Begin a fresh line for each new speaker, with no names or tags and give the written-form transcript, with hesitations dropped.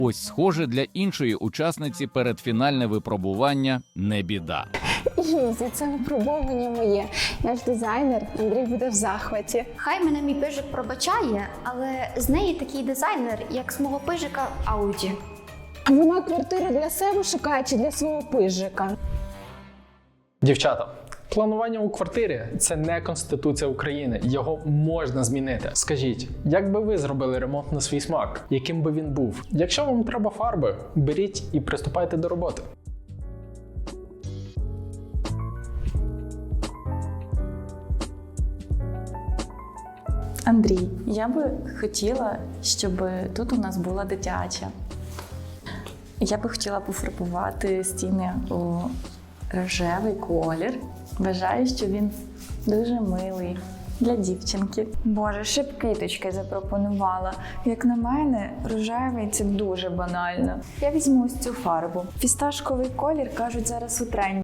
Ось, схоже, для іншої учасниці передфінальне випробування не біда.
Ізі, це випробовування моє. Я ж дизайнер, Андрій буде в захваті.
Хай мене мій пижик пробачає, але з неї такий дизайнер, як з мого пижика Ауді.
А вона квартиру для себе шукає чи для свого пижика?
Дівчата, планування у квартирі – це не Конституція України. Його можна змінити. Скажіть, як би ви зробили ремонт на свій смак? Яким би він був? Якщо вам треба фарби, беріть і приступайте до роботи.
Андрій, я би хотіла, щоб тут у нас була дитяча. Я би хотіла пофарбувати стіни у рожевий колір. Вважаю, що він дуже милий для дівчинки.
Боже, ще б квіточки запропонувала. Як на мене, рожевий – це дуже банально. Я візьму ось цю фарбу. Фісташковий колір, кажуть, зараз у тренді.